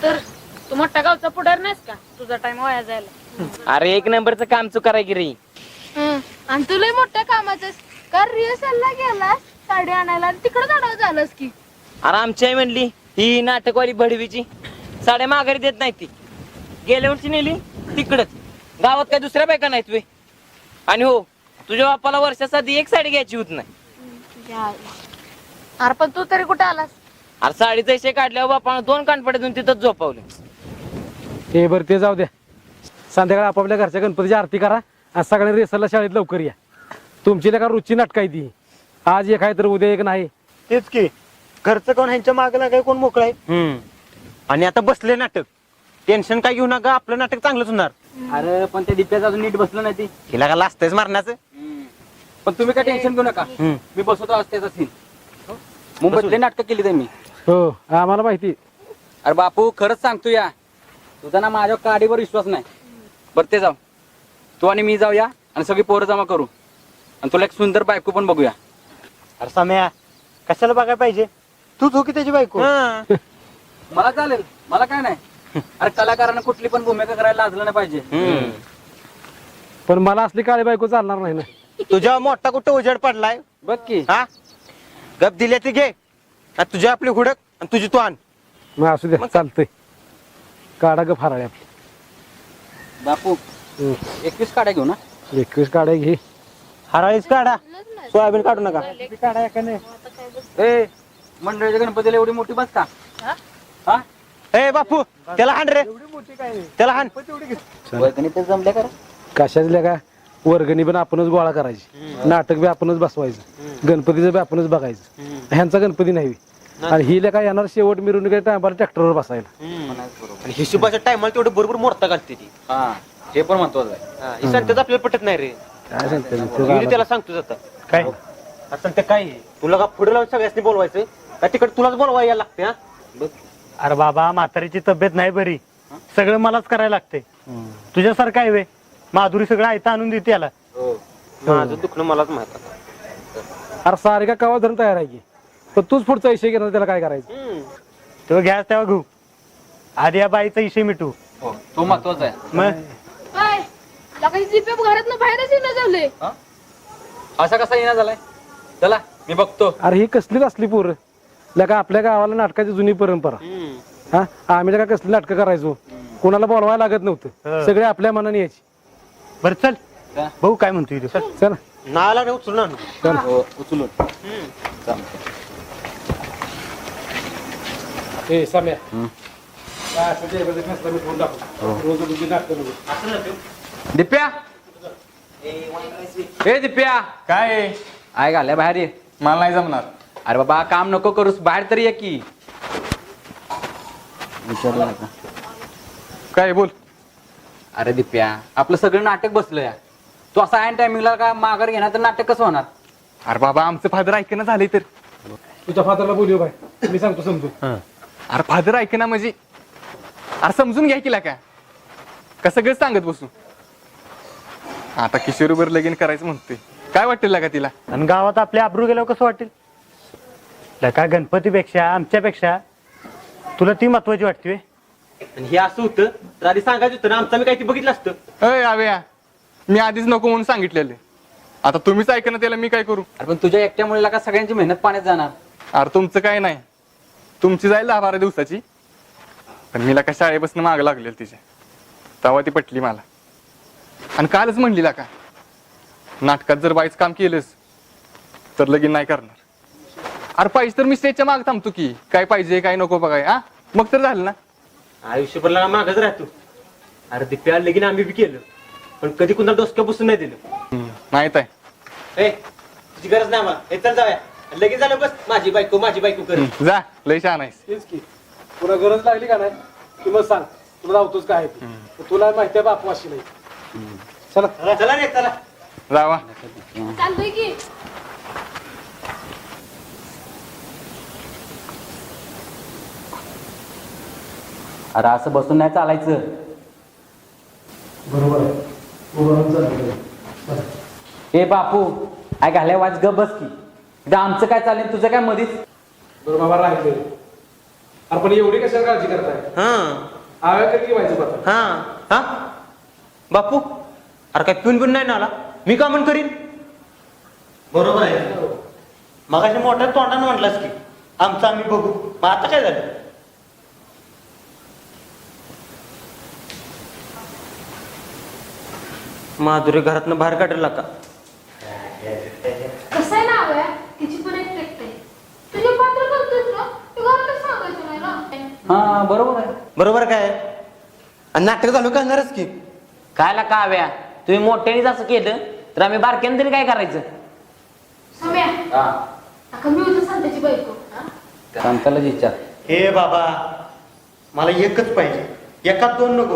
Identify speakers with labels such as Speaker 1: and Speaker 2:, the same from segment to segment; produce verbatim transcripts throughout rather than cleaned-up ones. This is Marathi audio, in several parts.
Speaker 1: तर तू मोठ्या गावचा पुढार नाहीस का तुझा टाइम वाया जायला.
Speaker 2: अरे एक नंबरचं काम चुकाराय की रे.
Speaker 1: आणि तुला मोठ्या कामाचं का रिहर्सलला गेला साडी आणायला आणि तिकडे जाणार झालंस की.
Speaker 2: अरे आमची आई म्हणली ही नाटकवाली भडवीची साड्या माघारी देत नाही ती. गेल्या वर्षी नेली तिकडच. गावात काय दुसऱ्या बायका नाहीत वे. आणि हो तुझ्या बापाला वर्षासाठी एक साडी घ्यायची होत नाही.
Speaker 1: अरे पण तू तरी कुठे आलास.
Speaker 2: अरे साडीचा इशे काढल्यावर बापानं दोन कानपडे देऊन तिथंच झोपावले.
Speaker 3: हे बरं ते जाऊ द्या. संध्याकाळी आपापल्या घरच्या गणपतीची आरती करा आज सगळ्यांनी रेसरला शाळेत लवकर या. तुमची का रुची नाटक आहे ती. आज एक आहे तर उद्या एक नाही.
Speaker 4: तेच की घरचं कोण ह्यांच्या मागे लागाय कोण मोकळा आहे.
Speaker 2: हम्म
Speaker 4: आणि आता बसले नाटक टेन्शन काय घेऊ नका आपलं नाटक चांगलंच होणार.
Speaker 5: अरे पण त्या दिप्याचं अजून नीट बसलं नाही ती.
Speaker 4: हिला का लाजतंयच मारण्याचं.
Speaker 5: पण तुम्ही काय टेन्शन घेऊ नका. मी बसवतो आज त्याचा सीन. मुंबईतले नाटक केली त्यांनी.
Speaker 3: हो आम्हाला माहिती.
Speaker 5: अरे बापू खरंच सांगतो या तुझा ना माझ्या काडीवर विश्वास नाही. बरं ते जाऊ तू आणि मी जाऊया आणि सगळी पोरं जमा करू आणि तुला एक सुंदर बायको पण बघूया.
Speaker 4: अरे सम्या कशाला बघायला पाहिजे तू झोकी त्याची बायको.
Speaker 5: मला चालेल मला काय नाही. अरे कलाकारांना कुठली पण भूमिका करायला लाजलं नाही पाहिजे.
Speaker 3: पण मला असली काळी बायको चालणार नाही ना.
Speaker 4: तुझ्या मोठा कुठं उजेड पडलाय.
Speaker 5: बघ की
Speaker 4: हा गप दिल्या ती घे आणि तुझी आपली हुडक आणि तुझी तू आण.
Speaker 3: मग असू द्या चालतंय. काढा ग फाराळे आपली.
Speaker 5: बापू एकवीस काड्या घेऊ ना.
Speaker 3: एकवीस काढा घे.
Speaker 4: हराळीच काढा सोयाबीन काढू नका.
Speaker 5: ए मंडळाच्या गणपतीला एवढी मोठी बस का. हा
Speaker 4: ए बापू त्याला हाण रे त्याला हाण.
Speaker 5: ते जमल्या करा.
Speaker 3: कशाच का वर्गणी पण आपणच गोळा करायची. नाटक बी आपणच बसवायचं. गणपतीचं बी आपणच बघायचं. ह्यांचा गणपती नाही. आणि ही काय येणार शेवट मिरवणुकीच्या टायमाला ट्रॅक्टरवर बसायला.
Speaker 4: आणि हिशोबाच्या टायमाला तेवढं बरोबर मोरता घालते ती.
Speaker 5: हा हे पण महत्वाचं आहे.
Speaker 4: ही सांगतेच आपल्याला पटत नाही रे.
Speaker 3: काय सांगते
Speaker 4: मी त्याला सांगतो आता काय सांगते काय तुला का पुढे लावून सगळ्यांनी बोलवायचं का तिकडे तुलाच बोलवायला यायला लागते. हा
Speaker 6: अरे बाबा म्हातारीची तब्येत नाही बरी सगळं मलाच करायला लागते. तुझ्यासारखं आहे वे माधुरी सगळं आयता आणून देते याला.
Speaker 4: माझं दुखणं मलाच माहित.
Speaker 3: अरे सारे का कवा धरून तयार आहे की. पण तूच पुढचा विषय घेणार त्याला काय करायचं.
Speaker 6: तो घ्यास तेव्हा घेऊ आधी या बाईचा विषय मिटू.
Speaker 5: तो महत्वाचा आहे.
Speaker 6: मग
Speaker 1: काय घरात बाहेरच येणं झालंय.
Speaker 5: असा कसा येणार झालाय. चला मी बघतो.
Speaker 3: अरे ही कसलीच असली पोरं. लका आपल्या गावाला नाटकाची जुनी परंपरा. हा आम्ही का कसली नाटकं करायचो. कोणाला बोलवायला लागत नव्हतं. सगळे आपल्या मनाने यायची.
Speaker 6: बर चल भाऊ काय म्हणतोय तू.
Speaker 3: चल
Speaker 4: नाला नाही उचलून आण.
Speaker 3: चल
Speaker 5: उचलून
Speaker 3: ए सम्या काय असं ते बघत नसलं मी फोन दाखवतो. रोज तुझी नाटकं बघू.
Speaker 5: दिप्या ए दिप्या
Speaker 7: काय
Speaker 5: आय घाल्या बाहेर ये.
Speaker 7: मला नाही जमणार.
Speaker 5: अरे बाबा काम नको करूस बाहेर तरी ये की. विचारलं का.
Speaker 7: काय बोल.
Speaker 5: अरे दिप्या आपलं सगळं नाटक बसलंय. तू असा ऐन टायमिंगला का माघार घेणार तर नाटक कसं होणार.
Speaker 7: अरे बाबा आमचं फादर ऐकणं झाले तर.
Speaker 3: तुझ्या फादरला बोलू बाय मी सांगतो समजून.
Speaker 7: अरे फादर ऐकणं म्हणजे अरे समजून घ्या केला का का सगळंच सांगत बसू. आता किशोरीवर लगीन करायचं म्हणते काय वाटेल का तिला.
Speaker 6: आणि गावात आपले आबरू गेल्यावर कसं वाटेल. लका गणपतीपेक्षा आमच्यापेक्षा तुला ती महत्वाची वाटते.
Speaker 4: आणि हे असं होतं तर आधी सांगायचं होतं ना आमचं मी काही ते बघितलं असतं.
Speaker 7: अय आव्या मी आधीच नको म्हणून सांगितलेले. आता तुम्हीच ऐकणं त्याला मी काय करू.
Speaker 5: अरे पण तुझ्या एकट्यामुळे का सगळ्यांची मेहनत पाण्यात जाणार.
Speaker 7: अरे तुमचं काय नाही तुमची जाईल दहा बारा दिवसाची. पण मीला का शाळेपासून मागं लागलेलं तिच्या तेव्हा ती पटली मला. आणि कालच म्हणली का नाटकात जर बाईच काम केलंस तर लगीन नाही करणार. अरे पाहिजे तर मी स्टेजच्या माग थांबतो की काय पाहिजे काय नको बघाय. हा मग तर झालं ना.
Speaker 4: आयुष्यभरला मागच राहतो. अरे दिप्या लगीन आम्ही बी केलं पण कधी कुणाला डोसक्या बसून नाही दिलं.
Speaker 7: माहित आहे.
Speaker 4: ए तुझी गरज नाही मला. हे चल जाऊया लगीन झालं बस माझी बायको माझी बायको कर.
Speaker 7: जा लय छान आहेस.
Speaker 3: तेच की तुला गरज लागली का नाही की मग सांग तुला लावतोच काय ते. तुला माहिती आहे बापू अशी नाही. चला
Speaker 4: चला चला रे चला
Speaker 7: जावा.
Speaker 1: चालतंय की.
Speaker 5: अरे असं बसून नाही चालायचं.
Speaker 3: बरोबर आहे.
Speaker 5: ए बापू आय घाल्या वाच ग बस की. आमचं काय चालेल तुझं काय मधीच.
Speaker 3: बरोबर राहिले अरे पण एवढी कशाला काळजी करताय?
Speaker 4: हा
Speaker 3: आव्या कधी की व्हायचं पाहता?
Speaker 4: हा हा बापू अरे काय पिऊन पिऊन नाही ना आला मी का म्हण करीन बरोबर आहे मगाशी मोठ्या तोंडानं म्हटलास की आमचं आम्ही बघू मग आता काय झालं माधुरी घरातनं बाहेर काढला का
Speaker 1: कसं आहे ना हव्या तिची पण एक टेक्ट आहे तुझे पात्र करतोस ना तू घरातच सांगायचं नाही ना.
Speaker 5: हा बरोबर आहे.
Speaker 4: बरोबर काय आणि नाटक झालं करणारच की
Speaker 2: कायला का हव्या तुम्ही मोठ्यानेच असं केलं तर आम्ही बारक्यानं तरी काय करायचं?
Speaker 1: सम्या
Speaker 5: हा
Speaker 1: आता मी होतं सांगताची बायको हा?
Speaker 5: सांगतालाच विचार.
Speaker 4: हे बाबा मला एकच पाहिजे एकात दोन नको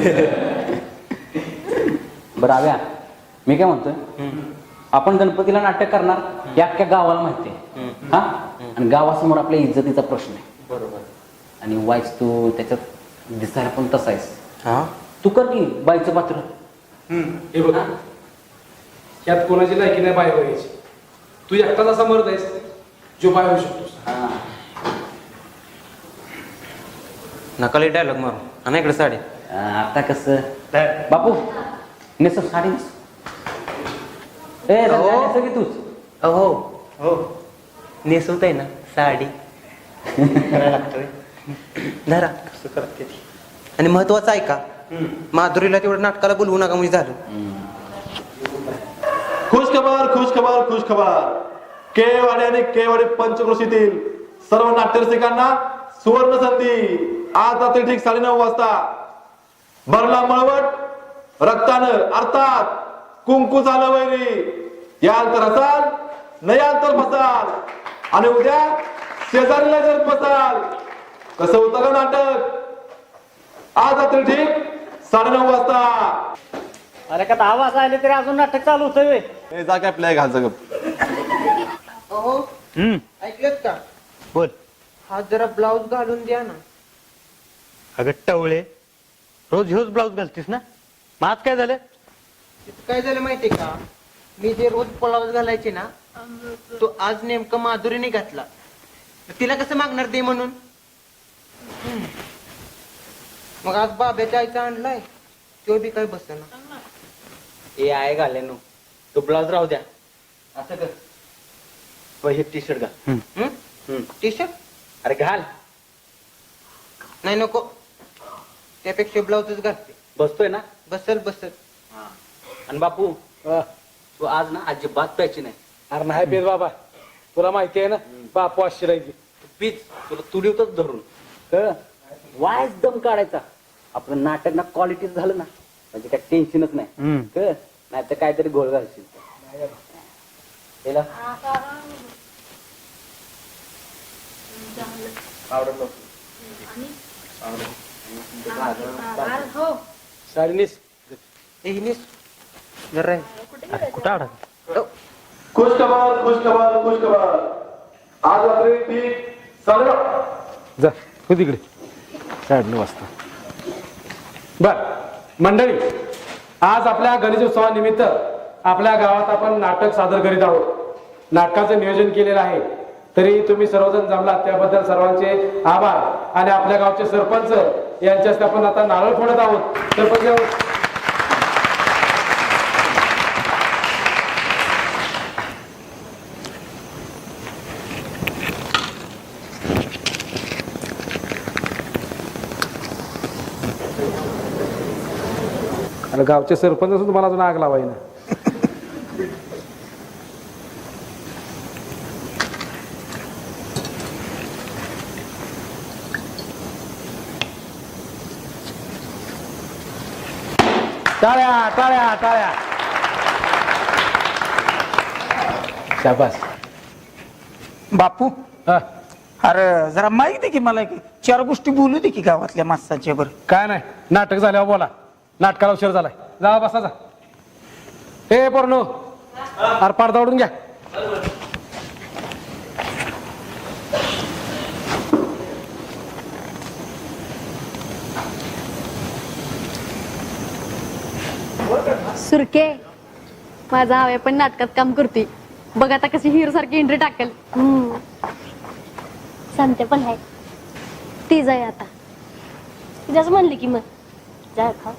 Speaker 5: बरं आव्या मी काय म्हणतोय आपण गणपतीला नाटक करणार हे अख्ख्या गावाला माहिती आहे. हा आणि गावासमोर आपल्या इज्जतीचा प्रश्न आहे.
Speaker 4: बरोबर
Speaker 5: आणि वाईस तू त्याच्यात दिसायला पण तसा आहेस.
Speaker 4: हा
Speaker 5: तू कर की बाईचं पात्र.
Speaker 3: हे बघ यात कोणाची लायकी नाही बाय बघायची. तू एकटाच असा मरत आहेस जो बाय होऊ शकतोस.
Speaker 5: हा.
Speaker 4: नकाली डायलॉग मारू आणि इकडे साडी
Speaker 5: आता कसं बापू नेसव साडी नेस. ए
Speaker 4: अहो.
Speaker 5: नेसव की तूच.
Speaker 4: हो हो नेसवत आहे ना साडी करायला लागतोय धरा कसं करते ती आणि महत्वाचं आहे का माधुरीला तेवढं नाटकाला बोलवू नका म्हणजे झालं
Speaker 8: खुश खबर खुश खबर खुश खबर केवाडी आणि केवाडी पंचक्रोशीतील सर्व नाट्यरसिकांना सुवर्ण संधी आज रात्री ठीक साडेनऊ वाजता भरला मळवट रक्तानं अर्थात कुंकू झालं वैरी याल तर असाल न याल तर फसाल आणि उद्या शेजारीला जर फसाल कसं होतं का नाटक आज रात्री ठीक साडेनऊ वाजता.
Speaker 6: अरे का दहा वाजता आले तरी अजून नाटक चालू होतंय.
Speaker 8: हे जा काय प्लॅग घालचं गप.
Speaker 6: हम्म
Speaker 4: ऐकलेत का
Speaker 6: बोल.
Speaker 4: हा जरा ब्लाऊज घालून द्या ना
Speaker 6: अगं टवळे रोज ह्योच ब्लाऊज घालतीस ना मग आज काय झालं.
Speaker 4: तिथं काय झालं माहितीये का मी जे रोज ब्लाऊज घालायचे ना तो आज नेमकं माधुरीने घातला तिला कसं मागणार दे म्हणून मग आज बाब्याच्या आईचा आणलाय तो बी काय बसना
Speaker 2: ए आहे घाल्यानो तो ब्लाउज राहू द्या.
Speaker 4: असं कर वय हे टी शर्ट घाल टी शर्ट
Speaker 2: अरे घाल.
Speaker 4: नाही नको त्यापेक्षा ब्लाऊजच घालते
Speaker 5: बसतोय ना.
Speaker 4: बसल बसल
Speaker 5: आणि बापू तू आज ना अजिबात प्यायची नाही.
Speaker 3: अरे नाही पेद बाबा तुला माहिती आहे ना बापू अशी राहिली.
Speaker 5: पीच तुला तुडीवतच धरून कळ वायच दम काढायचा. आपलं नाटक ना क्वालिटी झालं ना म्हणजे काय टेन्शनच नाही. कळ नाही तर काहीतरी गोळ घालशील.
Speaker 1: हो
Speaker 3: साडी नेस.
Speaker 4: जरा
Speaker 6: कुठं अडक
Speaker 8: खुश खबर खुश खबर खुश खबर आज रात्री ठीक साडेनऊ.
Speaker 3: जा हो तिकडे साडेनऊ वाजता. बर मंडळी आज आपल्या गणेशोत्सवानिमित्त आपल्या गावात आपण नाटक सादर करीत आहोत. नाटकाचं नियोजन केलेलं आहे तरी तुम्ही सर्वजण जमलात त्याबद्दल सर्वांचे आभार. आणि आपल्या गावचे सरपंच यांच्यास आपण आता नारळ फोडत आहोत. सरपंच आणि गावचे सरपंच असून तुम्हाला अजून आग लावाय ना. टाळ्या टाळ्या टाळ्या. शाबास.
Speaker 9: बापू
Speaker 3: हा,
Speaker 9: अरे जरा माहिती दे की मला की चार गोष्टी बोलू दे की गावातल्या माणसांच्या बरं.
Speaker 3: काय नाही नाटक झाल्यावर बोला. नाटकाला उशीर झालाय जा बसा जा. ए पोरनो अरे पडदा ओढून घ्या.
Speaker 10: सुरके माझा हवे पण नाटकात काम करते बघ आता कशी हिरो सारखी एंट्री टाकेल.
Speaker 11: सांगते पण आहे
Speaker 10: ती जाय आता तिच्याच म्हणली की मग जा खा.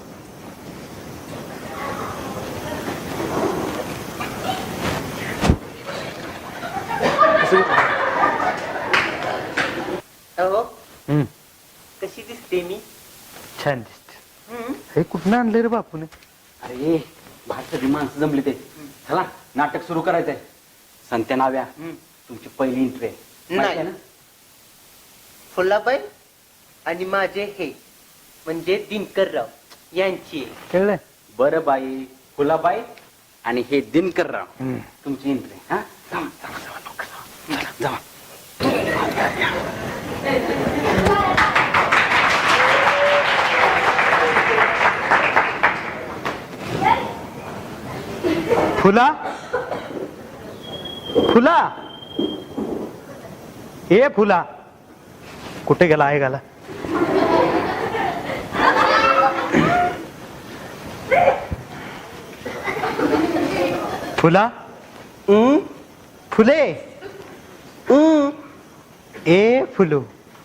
Speaker 4: कशी दिसते मी?
Speaker 6: छान दिसते. हे कुठनं आणले रे बापूने?
Speaker 5: अरे बाहेर सगळी माणसं जमली ते. चला नाटक सुरू करायचंय. संत्या नाव्या तुमची पहिली एंट्री आहे माहिती आहे ना?
Speaker 4: फुलाबाई आणि माझे हे म्हणजे दिनकरराव यांची
Speaker 6: कळलं?
Speaker 5: बरं बाई फुलाबाई आणि हे दिनकरराव तुमची एंट्री. हा जावा, जावा, जावा, लवकर जावा. चला, जावा.
Speaker 6: फुला फुला ए फुला कुठे गेला आहे गाला? फुला फुले ए फुलू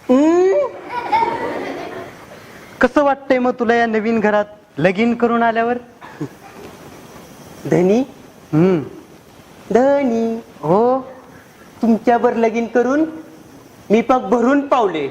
Speaker 6: कसं वाटतंय मग तुला या नवीन घरात लगीन करून आल्यावर?
Speaker 4: धनी
Speaker 6: हम्म
Speaker 4: धनी
Speaker 6: हो
Speaker 4: तुमच्यावर लगीन करून मी पाक भरून पावले.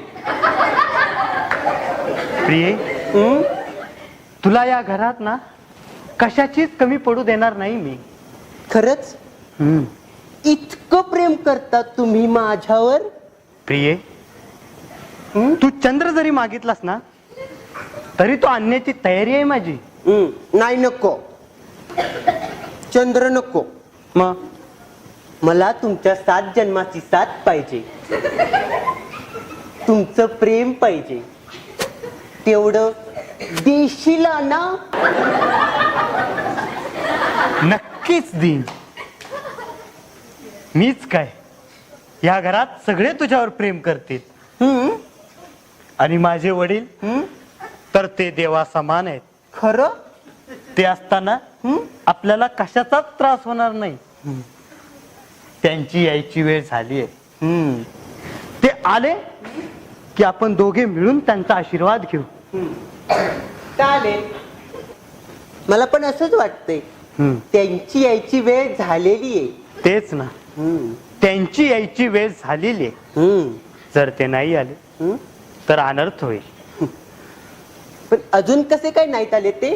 Speaker 6: प्रिये तुला या घरात ना कशाचीच कमी पडू देणार नाही मी.
Speaker 4: खरंच
Speaker 6: हम्म
Speaker 4: इतकं प्रेम करता तुम्ही माझ्यावर?
Speaker 6: प्रिये तू चंद्र जरी मागितलास ना तरी तो आणण्याची तयारी आहे माझी.
Speaker 4: हम्म, नाही नको चंद्र नको.
Speaker 6: मग
Speaker 4: मला तुमच्या सात जन्माची साथ पाहिजे. तुमचं प्रेम पाहिजे. तेवढं देशीला ना?
Speaker 6: नक्कीच देईन. मीच काय या घरात सगळे तुझ्यावर प्रेम करतील.
Speaker 4: हम्म
Speaker 6: आणि माझे वडील
Speaker 4: हम्म
Speaker 6: तर ते देवा समान आहेत.
Speaker 4: खरं?
Speaker 6: ते असताना आपल्याला कशाचाच त्रास होणार नाही. त्यांची यायची वेळ झाली आहे.
Speaker 4: हम्म
Speaker 6: ते आले की आपण दोघे मिळून त्यांचा आशीर्वाद घेऊ.
Speaker 4: चालेल. मला पण असंच वाटतंय.
Speaker 6: हम्म.
Speaker 4: त्यांची यायची वेळ झालेली आहे.
Speaker 6: तेच ना
Speaker 4: हम्म
Speaker 6: त्यांची यायची वेळ झालेली आहे.
Speaker 4: हम्म
Speaker 6: जर ते नाही आले
Speaker 4: हम्म.
Speaker 6: तर अनर्थ होईल.
Speaker 4: पण अजून कसे काय नाहीत आले ते?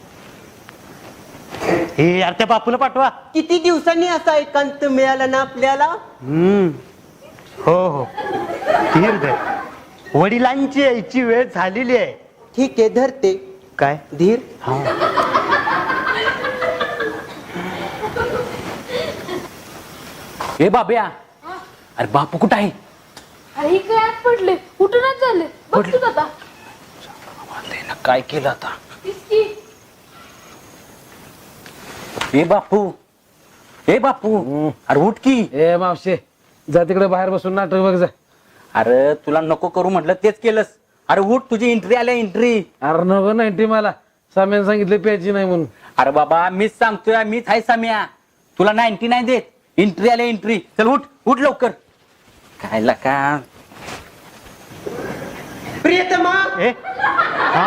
Speaker 6: हे यार त्या बापूला पाठवा.
Speaker 4: किती दिवसांनी असा एकांत मिळाला ना आपल्याला?
Speaker 6: हम्म हो हो धीर धर. वडिलांची यायची वेळ झालेली आहे.
Speaker 4: ठीक आहे धरते.
Speaker 6: काय
Speaker 4: धीर.
Speaker 6: हा
Speaker 5: ए बाब्या अरे बापू कुठं आहे?
Speaker 1: अरे ही काय आत पडले उठूनच झाले. बघ तू आता
Speaker 5: त्यानं काय केलं आता?
Speaker 1: तीच की.
Speaker 5: ए बापू ए बापू अरे उठ की.
Speaker 3: ए मावशे जा तिकडे बाहेर बसून नाटक बघ जा.
Speaker 5: अरे तुला नको करू म्हटलं तेच केलंस. अरे उठ तुझी एंट्री आल्या एंट्री.
Speaker 3: अरे नको नाईन्टी मला साम्याने सांगितलं प्यायची नाही म्हणून.
Speaker 5: अरे बाबा मीच सांगतोय मीच आहे साम्या. तुला नाईन्टी नाही देत. एंट्री आल्या एंट्री. चल उठ उठ लवकर. काय लका
Speaker 4: प्रियतमा
Speaker 6: ए हा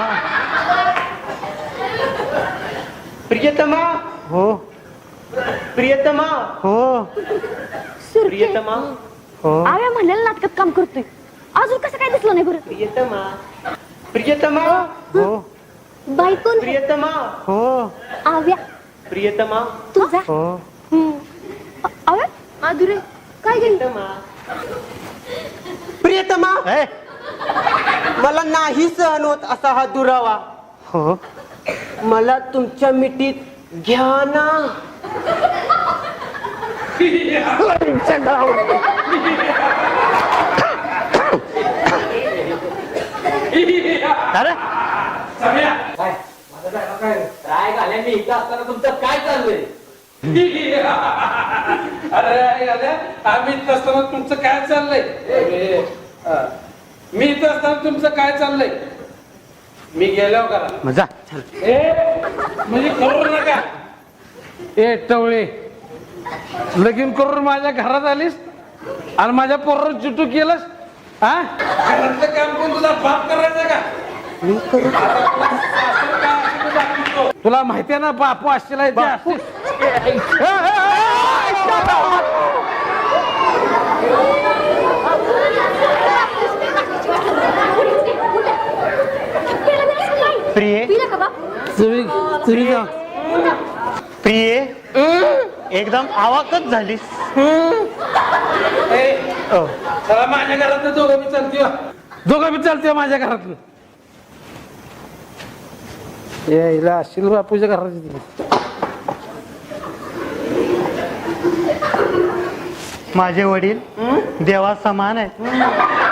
Speaker 4: प्रियतमा
Speaker 6: हो
Speaker 4: प्रियतमा
Speaker 6: हो
Speaker 4: प्रियतमा
Speaker 6: हो
Speaker 10: आव्या म्हणलेलं नाटकात काम करतोय अजून कसं काय दिसलं नाही बरं.
Speaker 4: प्रियतमा प्रियतमा
Speaker 6: हो
Speaker 10: बाई कोण
Speaker 4: प्रियतमा
Speaker 6: हो
Speaker 10: आव्या
Speaker 4: प्रियतमा
Speaker 10: तुझा
Speaker 6: हो
Speaker 10: आव्या
Speaker 1: माधुरी काय गेली?
Speaker 4: प्रियतमा प्रियतमा
Speaker 6: ए
Speaker 4: मला नाही सहन होत असा हा दुरावा.
Speaker 6: हो
Speaker 4: मला तुमच्या मिठीत घ्या ना.
Speaker 6: अरे
Speaker 5: काय झालं मी इथं असताना तुमचं काय चाललंय?
Speaker 11: अरे आम्ही इथं असताना तुमचं काय चाललंय? मी इथं असताना तुमचं काय चाललंय? मी गेल्यावर करा.
Speaker 6: मजा
Speaker 11: ए म्हणजे करू नका.
Speaker 3: ए टवळे लगीन करून माझ्या घरात आलीस आणि माझ्या पोरावर चिटू केलंस. हा
Speaker 11: घरातलं काम कोण तुझा बाप करायचं का
Speaker 3: मी करू
Speaker 11: आता तुला सासर काय असेल ते दाखवतो.
Speaker 3: तुला माहितीये ना बापू असलेला इथे असते. ए, ए,
Speaker 6: प्रिये
Speaker 3: तुम्ही तुम्ही जा.
Speaker 6: प्रिये एकदम आवाकच झालीस
Speaker 11: ए,
Speaker 6: अ,
Speaker 11: चला माझ्या घरात दोघं मी चालते हो.
Speaker 3: दोघं बी चालते माझ्या घरातलं यायला असशील बापूच्या घरात.
Speaker 6: माझे वडील देवा समान आहेत